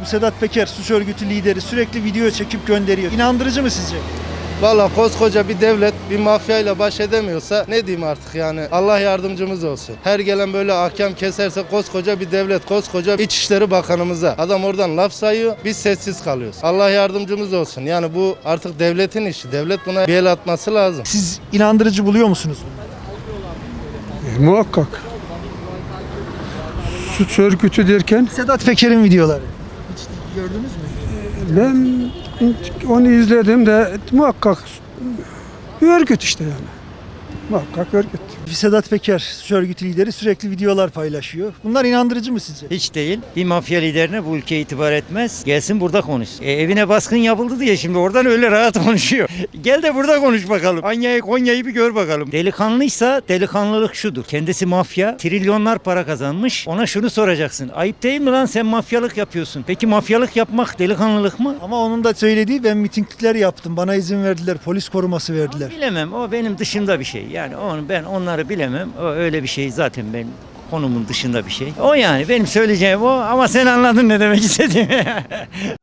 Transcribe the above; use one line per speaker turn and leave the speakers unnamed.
Sedat Peker suç örgütü lideri sürekli video çekip gönderiyor. İnandırıcı mı sizce?
Valla koskoca bir devlet bir mafyayla baş edemiyorsa ne diyeyim artık yani. Allah yardımcımız olsun. Her gelen böyle ahkam keserse koskoca bir devlet, koskoca İçişleri Bakanımıza. Adam oradan laf sayıyor, biz sessiz kalıyoruz. Allah yardımcımız olsun. Yani bu artık devletin işi. Devlet buna bir el atması lazım.
Siz inandırıcı buluyor musunuz?
Muhakkak. Suç örgütü derken
Sedat Peker'in videoları. Hiç gördünüz mü?
ben onu izledim de muhakkak bir örgüt işte yani. Muhakkak örgüt.
Sedat Peker suç örgütü lideri sürekli videolar paylaşıyor. Bunlar inandırıcı mı sizce?
Hiç değil. Bir mafya liderine bu ülke itibar etmez. Gelsin burada konuş. Evine baskın yapıldı diye şimdi oradan öyle rahat konuşuyor. Gel de burada konuş bakalım. Konya'yı bir gör bakalım. Delikanlıysa delikanlılık şudur. Kendisi mafya. Trilyonlar para kazanmış. Ona şunu soracaksın. Ayıp değil mi lan sen mafyalık yapıyorsun? Peki mafyalık yapmak delikanlılık mı?
Ama onun da söylediği ben mitingler yaptım. Bana izin verdiler. Polis koruması verdiler.
Bilemem. O benim dışımda bir şey. Yani ben onları bilemem. O öyle bir şey zaten ben konumun dışında bir şey. O yani benim söyleyeceğim o ama sen anladın ne demek istediğimi.